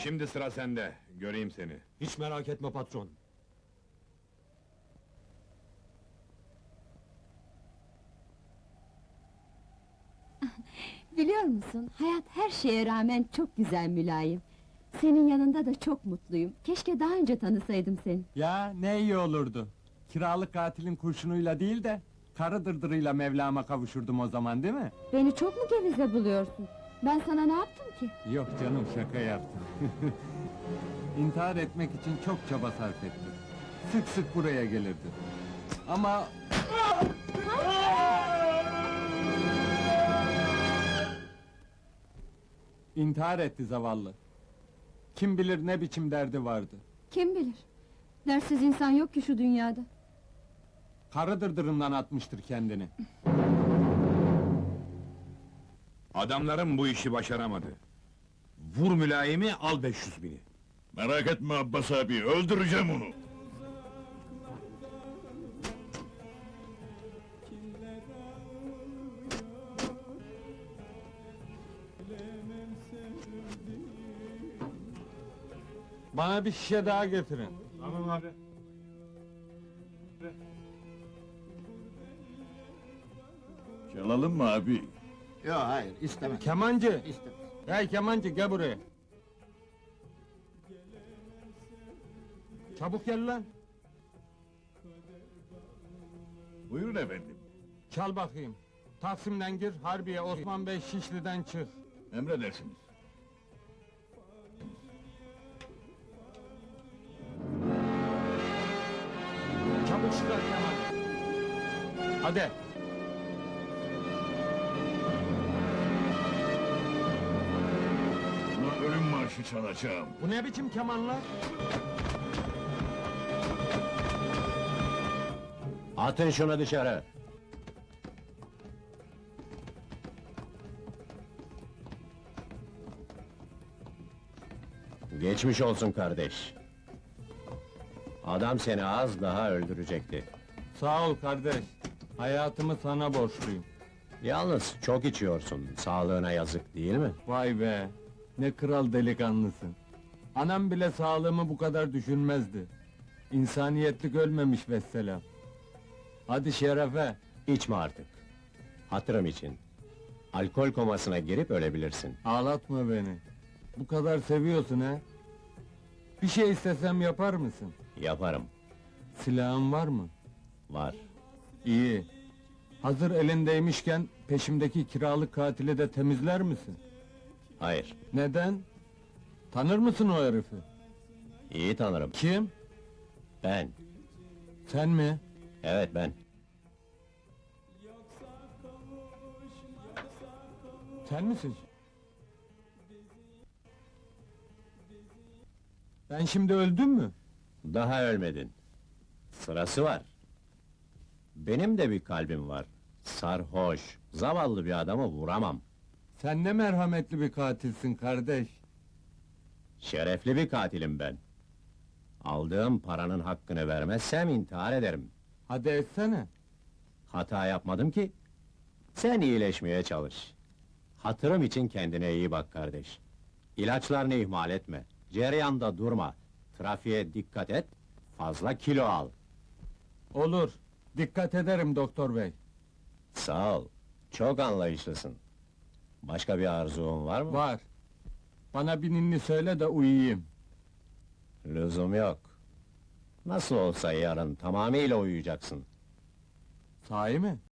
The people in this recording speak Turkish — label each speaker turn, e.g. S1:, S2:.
S1: Şimdi sıra sende, göreyim seni.
S2: Hiç merak etme patron.
S3: Biliyor musun, hayat her şeye rağmen çok güzel Mülayim. Senin yanında da çok mutluyum. Keşke daha önce tanısaydım seni.
S4: Ya ne iyi olurdu. Kiralık katilin kurşunuyla değil de karı dırdırıyla Mevlam'a kavuşurdum o zaman, değil mi?
S3: Beni çok mu gevize buluyorsun? Ben sana ne yaptım ki?
S4: Yok canım, şaka yaptım. İntihar etmek için çok çaba sarf etti. Sık sık buraya gelirdi. Ama... İntihar etti zavallı. Kim bilir ne biçim derdi vardı.
S3: Kim bilir? Dersiz insan yok ki şu dünyada.
S4: Karı dırdırından atmıştır kendini.
S1: Adamlarım bu işi başaramadı. Vur mülayimi, al 500.000'i.
S5: Merak etme Abbas abi, öldüreceğim onu.
S4: Bana bir şişe daha getirin.
S2: Tamam abi.
S5: Çalalım mı abi?
S6: Yok hayır istemem.
S4: Kemancı!
S6: İstemem.
S4: Hey kemancı, gel buraya! Çabuk gel lan!
S5: Buyurun efendim.
S4: Çal bakayım! Taksim'den gir, Harbiye, Osman Bey Şişli'den çık.
S5: Emredersiniz.
S4: Çabuk çıkar Kemal! Hadi!
S5: Buna ölüm marşı çalacağım.
S4: Bu ne biçim kemanlar?
S2: Atın şunu dışarı. Geçmiş olsun kardeş. Adam seni az daha öldürecekti.
S4: Sağ ol kardeş. Hayatımı sana borçluyum.
S2: Yalnız çok içiyorsun, sağlığına yazık değil mi?
S4: Vay be! Ne kral delikanlısın. Anam bile sağlığımı bu kadar düşünmezdi. İnsaniyetlik ölmemiş vesselam. Hadi şerefe!
S2: İçme artık. Hatırım için. Alkol komasına girip ölebilirsin.
S4: Ağlatma beni. Bu kadar seviyorsun ha? Bir şey istesem yapar mısın?
S2: Yaparım.
S4: Silahın var mı?
S2: Var.
S4: İyi. Hazır elindeymişken peşimdeki kiralık katili de temizler misin?
S2: Hayır.
S4: Neden? Tanır mısın o herifi?
S2: İyi tanırım.
S4: Kim?
S2: Ben.
S4: Sen mi?
S2: Evet ben.
S4: Sen misin? Ben şimdi öldüm mü?
S2: Daha ölmedin. Sırası var. Benim de bir kalbim var. Sarhoş, zavallı bir adamı vuramam.
S4: Sen ne merhametli bir katilsin kardeş.
S2: Şerefli bir katilim ben. Aldığım paranın hakkını vermezsem intihar ederim.
S4: Hadi etsene.
S2: Hata yapmadım ki. Sen iyileşmeye çalış. Hatırım için kendine iyi bak kardeş. İlaçlarını ihmal etme. Cereyanda durma. Trafiğe dikkat et. Fazla kilo al.
S4: Olur. Dikkat ederim doktor bey.
S2: Sağ ol. Çok anlayışlısın. Başka bir arzun var mı?
S4: Var. Bana bir ninni söyle de uyuyayım.
S2: Lüzum yok. Nasıl olsa yarın tamamıyla uyuyacaksın.
S4: Sahi mi?